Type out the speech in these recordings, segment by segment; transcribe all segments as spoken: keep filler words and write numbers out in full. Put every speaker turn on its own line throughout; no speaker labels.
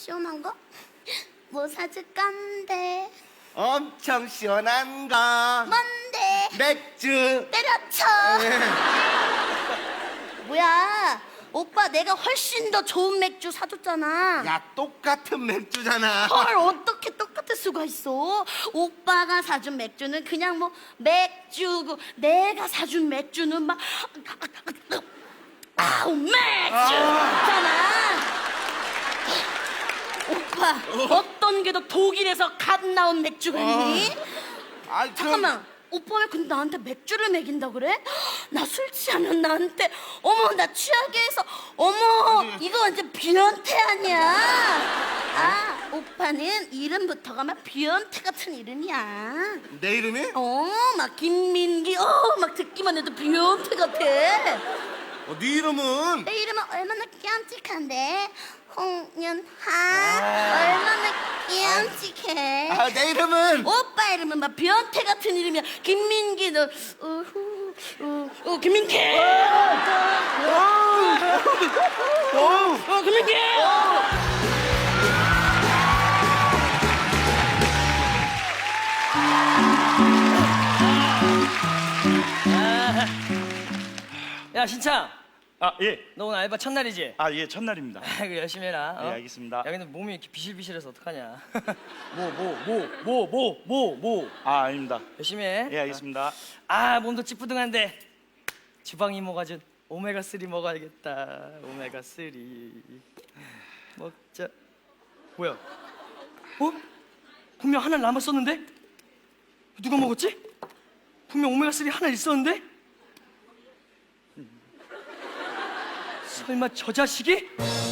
시원한 거? 뭐 사줄 건데?
엄청 시원한 거.
뭔데?
맥주.
때려쳐. 뭐야? 오빠 내가 훨씬 더 좋은 맥주 사줬잖아.
야, 똑같은 맥주잖아.
헐, 어떻게 똑같을 수가 있어? 오빠가 사준 맥주는 그냥 뭐 맥주고 내가 사준 맥주는 막 아우 맥주잖아. 오빠 어떤 게 더 독일에서 갓 나온 맥주가 있니?
아, 그럼-
잠깐만, 오빠 왜 근데 나한테 맥주를 먹인다 그래? 나 술 취하면 나한테 어머 나 취하게 해서 어머 이거 완전 비연태 아니야? 아 오빠는 이름부터가 막 비연태 같은 이름이야.
내 이름이?
어 막 김민기 어 막 듣기만 해도 비연태 같아.
어, 네 이름은?
내 이름은 얼마나 깜찍한데 홍연하 얼마나 깜찍해.
아, 내 이름은?
오빠 이름은 막 변태 같은 이름이야. 김민기 너 우후 우, 우 김민기
오,
어 김민기
야 신창,
아, 예.
너 오늘 알바 첫날이지?
아, 예, 첫날입니다.
아이고 열심히 해라. 어?
예, 알겠습니다.
야 근데 몸이 이렇게 비실비실해서 어떡하냐? 뭐 뭐 뭐 뭐 뭐 뭐 뭐
아, 아닙니다.
열심히 해.
예, 알겠습니다.
아 몸도 찌뿌둥한데 주방 이모가 준 오메가 쓰리 먹어야겠다. 오메가 쓰리 먹자. 뭐야? 어? 분명 하나 남았었는데? 누가 먹었지? 분명 오메가 쓰리 하나 있었는데? 설마 저 자식이?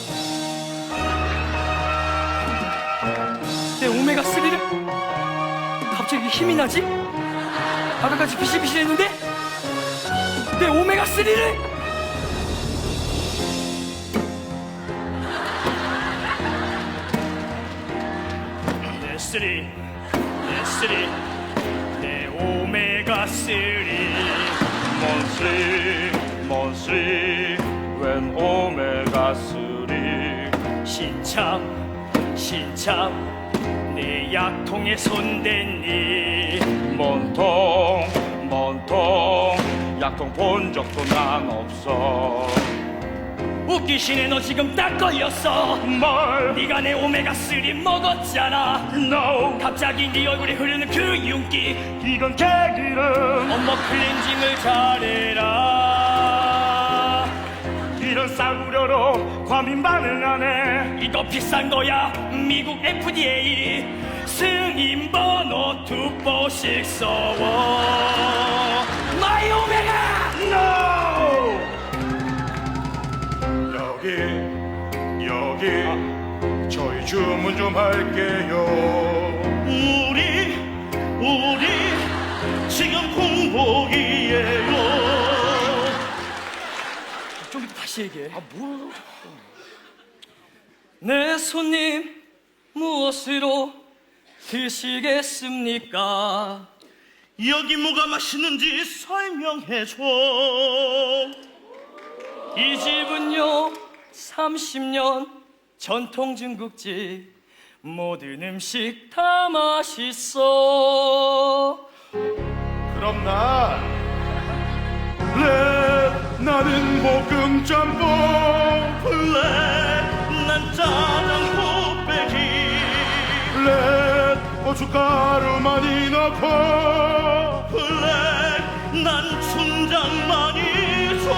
내 오메가 쓰리를 갑자기 힘이 나지? 아까까지 비실비실했는데 내 오메가 쓰리를 내 쓰리 내 쓰리 내 오메가 쓰리
먼쓰리, 먼쓰리, 웬 오메가 쓰리.
신참 신참 내 약통에 손댔니
먼통, 먼통, 약통 본 적도 난 없어.
웃기시네. 너 지금 딱 걸렸어.
뭘?
네가 내 오메가 쓰리 먹었잖아.
No,
갑자기 네 얼굴에 흐르는 그 윤기.
이건 개기름.
엄마 클렌징을 잘해라.
이런 싸구려로 과민 반응하네.
이거 비싼 거야. 미국 에프디에이 승인 번호 두 번씩 써워. 마이 오메가.
No! 여기, 여기, 저희 주문 좀 할게요.
우리 우리 지금 공복이에요. 좀 이따 다시 얘기해. 아 뭐? 내 손님 무엇으로 드시겠습니까?
여기 뭐가 맛있는지 설명해줘.
이 집은요 삼십 년 전통 중국집. 모든 음식 다 맛있어.
그럼 나, 랩, 나는 볶음 짬뽕.
블랙 난 짜장 곱빼기.
랩, 고춧가루 많이 넣고.
블랙 난 춘장 많이 줘.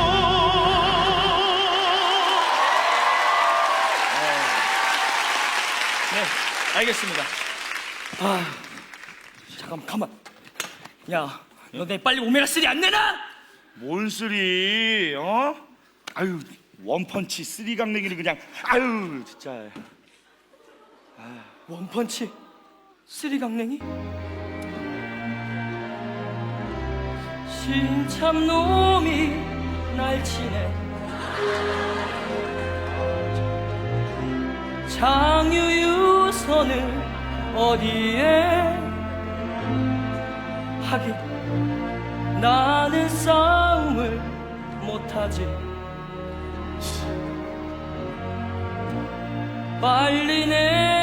네, 알겠습니다. 아, 잠깐만, 가만. 야, 너 내 빨리 오메가 쓰리 안 내놔?
뭔 쓰리, 어? 아유, 원펀치 쓰리 강냉이를 그냥, 아유, 진짜.
원펀치 쓰리 강냉이? 신참놈이 날 치네. 장유유서는 어디에? 하긴 나는 싸움을 못하지. 빨리 내